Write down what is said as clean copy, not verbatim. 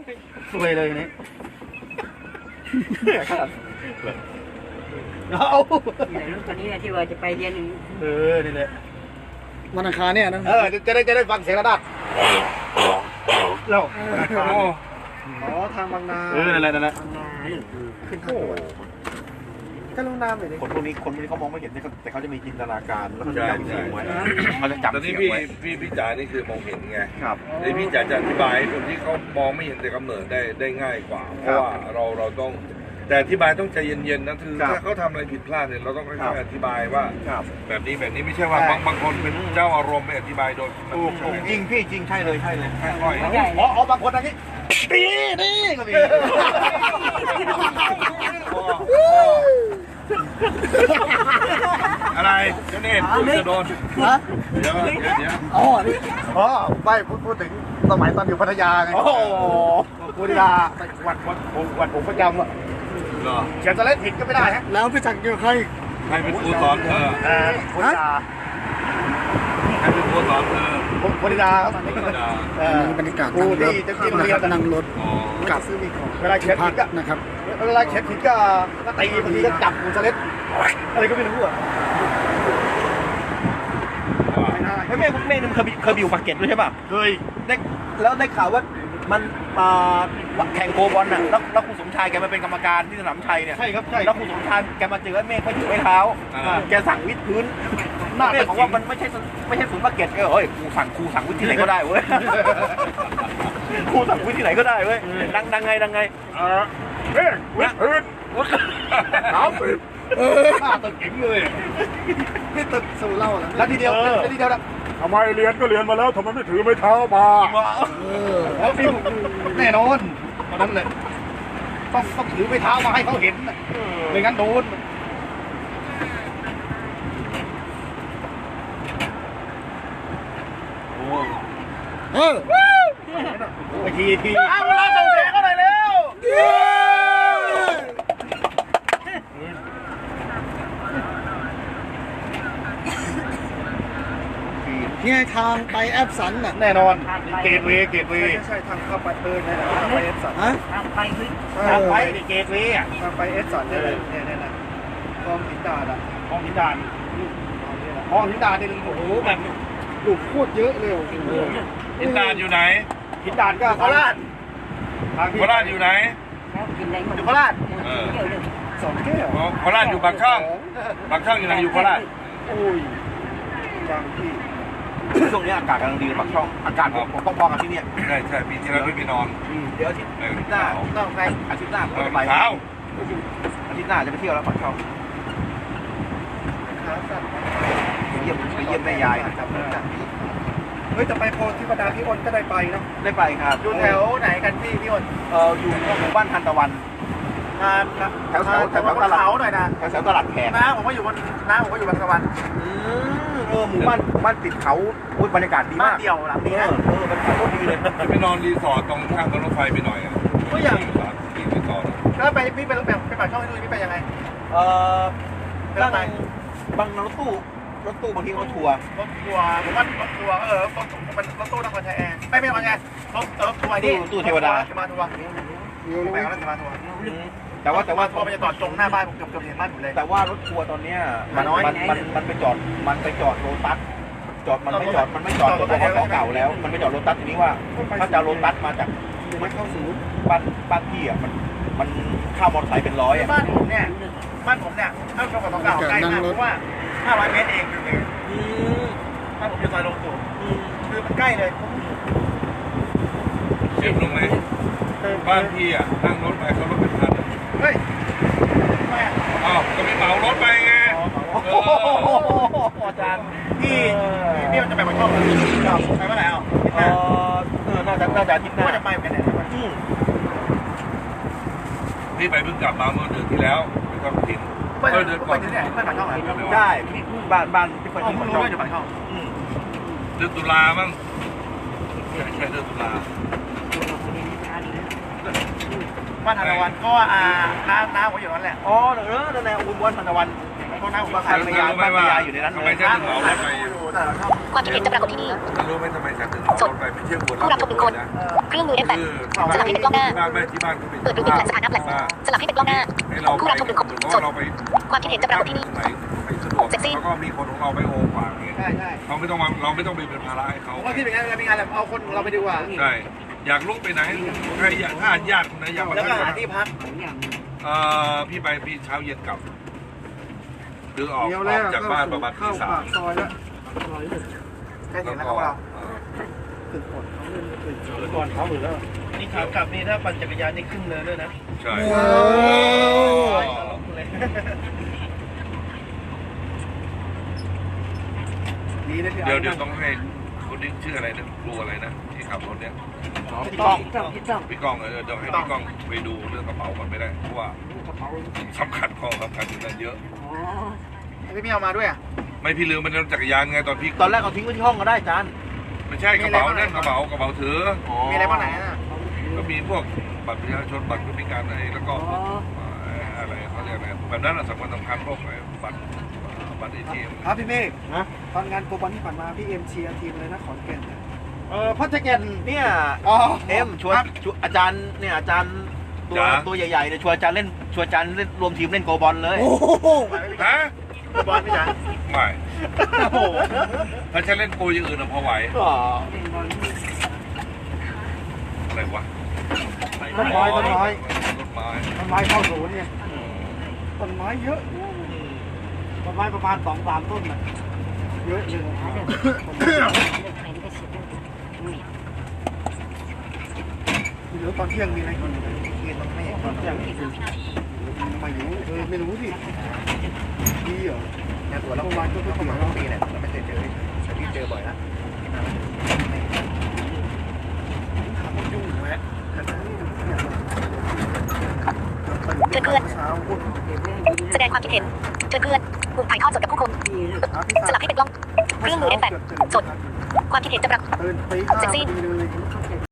สวยเลยนี่เอารถคันนี้ที่ว่าจะไปเรียนนี่แหละวันอังคารเนี่ยนะจะได้ฟังเสียงระดับเราอ๋อทางบางนานั่นแหละขึ้นทางด่วนก็ลงน้ำเลยคนพวกนี้เขามองไม่เห็นแต่เขาจะมีจินตนาการแล้วเขาจะจำเสียงไว้เขาจะจำตอนนี้พี่จ๋านี่คือมองเห็นไงครับในพี่จ๋าจะอธิบายคนที่เขามองไม่เห็นแต่กำเนิดได้ง่ายกว่าเพราะว่าเราต้องแต่อธิบายต้องใจเย็นๆนะคือถ้าเขาทำอะไรผิดพลาดเนี่ยเราต้องค่อยๆอธิบายว่าแบบนี้ไม่ใช่ว่าบางคนเป็นเจ้าอารมณ์ไปอธิบายโดยจริงพี่จริงใช่เลยค่อยๆบางคนอย่างนี้ตีนี่ก็มีอะไรเจ้าเนตจะโดนเดี๋ยวไม่พูดถึงสมัยตอนอยู่พัทยาไงพัทยาวัดผมประจำอ่ะเขียนสเล่นผิดก็ไม่ได้ฮะแล้วพี่จักรเกี่ยวใครเป็นครูสอนเธอพัทยาใครเป็นครูสอนเธอพัทยาครับบรรยากาศครูที่จะกินเรียนนั่งรถกับซื้อมีของเวลาเขียนผิดก็นะครับเวลาเขียนผิดก็ตีบางทีก็จับครูสเล่นอะไรก็ไม่รู้อ่ะแม่มันเคยอยู่ปากเกร็ดด้วยใช่ป่ะเคยแล้วได้ข่าวว่ามันแข่งโกบอลน่ะแล้วครูสมชายแกมาเป็นกรรมการที่สนามชัยเนี่ยใช่ครับใช่แล้วครูสมชายแกมาเจอเมฆเขาอยู่ไม้เท้าแกสั่งวิดพื้นเมฆบอกว่ามันไม่ใช่ศูนย์ปากเกร็ดเฮ้ยครูสั่งวิดที่ไหนก็ได้เว้ยครูสั่งวิดที่ไหนก็ได้เว้ยดังไงเฮ้ยวิดพื้นตึกเก่งเลยพี่ตึกสู่เล่าแล้วทีเดียวนะทำไมเรียนก็เรียนมาแล้วทำไมไม่ถือไม้เท้ามาแล้วพี่แน่นอนตอนนั้นเลยต้องถือไม้เท้ามาให้เขาเห็นไม่งั้นโดนไปทีเวลาส่งเสียงก็หน่อยเร็วนี่ทางไปแอปสันน่ะแน่นอนเกตเวย์ใช่ทางเข้าไปนะทางไปแอปสันทางไปเกตเวย์ทางไปแอปสันเนี่ยนะคลองหินดาดอ่ะคลองหินดาดนี่โอ้โหแบบหลุดโคตรเยอะเลยหินดาดอยู่ไหนหินดาดก็โคราชอยู่ไหนอยู่โคราช 2 แก้วโคราชอยู่ปากช่องอยู่ไหนอยู่โคราชโอ้ยบางที่ช่วงนี้อากาศกำลังดีปากช่องอากาศผมพอๆกับที่นี่ใช่ปีที่แล้วพี่ไปนอนเดี๋ยวอาทิตย์หน้าต้องไปอาทิตย์หน้าผมจะไปอาทิตย์หน้าจะไปเที่ยวแล้วปากช่องไปเยี่ยมแม่ยายนะครับเฮ้ยจะไปโพธิปดาพี่อ้นก็ได้ไปเนาะได้ไปครับอยู่แถวไหนกันพี่อ้นอยู่หมู่บ้านทันตะวันแถวตลาดหน่อยนะแถวตลาดแขกผมก็อยู่บนตะวันหมู่บ้านติดเขาบรรยากาศดีมากเดี่ยวหลังนี้นะบรรยากาศโคตรดีเลยไปนอนรีสอร์ทตรงข้างรถไฟไปหน่อยก็อย่างรีสอร์ทแล้วไปพี่ไปปากช่องที่นู่นพี่ไปยังไงบางรถตู้บางทีรถทัวร์ผมว่ารถทัวร์มันรถตู้นครชัยแอร์ไม่ว่าไงรถทัวร์นี่ตู้เทวดามาทัวร์ไปแล้วจะมาทัวร์แต่ว่าทัวร์มันจะจอดตรงหน้าบ้านผมเกือบเห็นบ้านผมเลยแต่ว่ารถทัวร์ตอนเนี้ยมันไปจอดโลตัสมันไม่จอดตัวของเก่าแล้วมันไปจอดโลตัสทีนี้ว่าถ้าจะโลตัสมาจากไม่เข้าสู่บ้านพี่อ่ะมันข้าวมอเตอร์ไซค์เป็น100อ่ะบ้านผมเนี่ยถ้าของเก่าใกล้มากเพราะว่า500 เมตรเองเลยถ้าผมจะซอยลงสู่คือมันใกล้เลยเชื่อมลงไหมบ้านพี่อ่ะนั่งรถไปเขารถเป็นพันเฮ้ยอ้าวก็ไม่เหมารถไปไงอาจารย์พี่มันจะไปปากช่องไปเมื่อไหร่น่าจะอาทิตย์หน้าจะไปเหมือนกันเนี่ยพี่ไปเพิ่งกลับมาเมื่อเดือนที่แล้วไปทำกินเดือนก่อนเนี่ยไปปากช่องอะไรใช่บ้านที่ไปที่ปากช่องอยู่ปากช่องเดือนตุลามั้งใช่เดือนตุลาบ้านธันตะวันก็น้าผมอยู่นั่นแหละนั่นแหละอุบลทันตะวันเพราะน้าผมมาขายขายพยานบ้านพยานอยู่ในนั้นทำเลไมยฉันถึงเหมารถไปความคิดเห็นจะปรากฏที่นี่รู้ไหมทำไมฉันถึงเหมารถไปไม่เชื่อคนผู้รับชมหนึ่งคน เครื่องมือ F8 สลับให้เป็นกล้องหน้าที่บ้านก็เป็นเปิดดูอินเทอร์เน็ตสถานะแฟลชสลับให้เป็นกล้องหน้าให้เราผู้รับชมหนึ่งคนสดเราไปความคิดเห็นจะปรากฏที่นี่ไหนไม่สะดวกแล้วก็มีคนของเราไปโอฝากเองใช่ใช่เราไม่ต้องไปเป็นภาระให้เขาผมว่าที่เป็นงานมีงานแบบเอาคนเราไปดีกว่าใช่อยากลุกไปไหนใครอยากถ้าญาติคนไหนอยากมาแล้วก็หาที่พักพี่ไปพี่เช้าเย็นกลับหรือออกจากบ้านประมาณตี 3 ซอยแล้วใกล้ถึงแล้วครับเราก่อนเขาหรือแล้วนี่ขากลับนี่ถ้าปั่นจักรยานนี่ขึ้นเลยด้วยนะใช่ดีเลยเดี๋ยวต้องให้คนนี้ชื่ออะไรนะครูอะไรนะที่ขับรถเนี่ยพี่ต้องพี่ก้องเดี๋ยวให้พี่ก้องไปดูเรื่องกระเป๋าก่อนไม่ได้เพราะว่าสำคัญข้อสำคัญอยู่นั่นเยอะพี่ไม่เอามาด้วยอ่ะไม่พี่ลืมมันจักรยานไงตอนพี่ตอนแรกเอาทิ้งไว้ที่ห้องก็ได้จานไม่ใช่กระเป๋านั่นกระเป๋าถือมีอะไรบ้างไหนอ่ะก็มีพวกบัตรประชาชนบัตรผู้พิการอะไรแล้วก็อะไรเขาเรียกอะไรแบบนั้นสำคัญพวกบัตรATM ครับพี่เมฆนะตอนงานโกบอลที่ผ่านมาพี่เอ็มเชียร์ทีมเลยนะขอนแก่นพ่อแจ็คเก็ตเนี่ยชวนอาจารย์เนี่ยอาจารย์ตัวใหญ่ๆเนี่ยชวนอาจารย์เล่นรวมทีมเล่นโกบอลเลยฮะโกบอลไม่ใช่ไม่โอ้โหถ้าฉันเล่นโปรอย่างอื่นพอไหวอ๋ออะไรวะต้นไม้ต้นไม้ต้นไม้เข้าศูนย์เนี่ยต้นไม้เยอะต้นไม้ประมาณ2-3 ต้นน่ะเยอะเลยเดี๋ยวตอนเที่ยงมีอะไรกินเที่ยงต้องไม่ตอนเที่ยงมาอยู่ไม่รู้สิดีเหรอเนี่ยตัวเราวันก็เพิ่งเข้ามาปีเนี่ยเราไม่เคยเจอแต่พี่เจอบ่อยนะยุ่งแหวะเชิญเพื่อนแสดงความคิดเห็นเชิญเพื่อนปุ่มถ่ายทอดสดกับผู้ชมสลับให้เป็นกล้องเครื่องมือ F8 สดความคิดเห็นจะปรากฏเซ็กซี่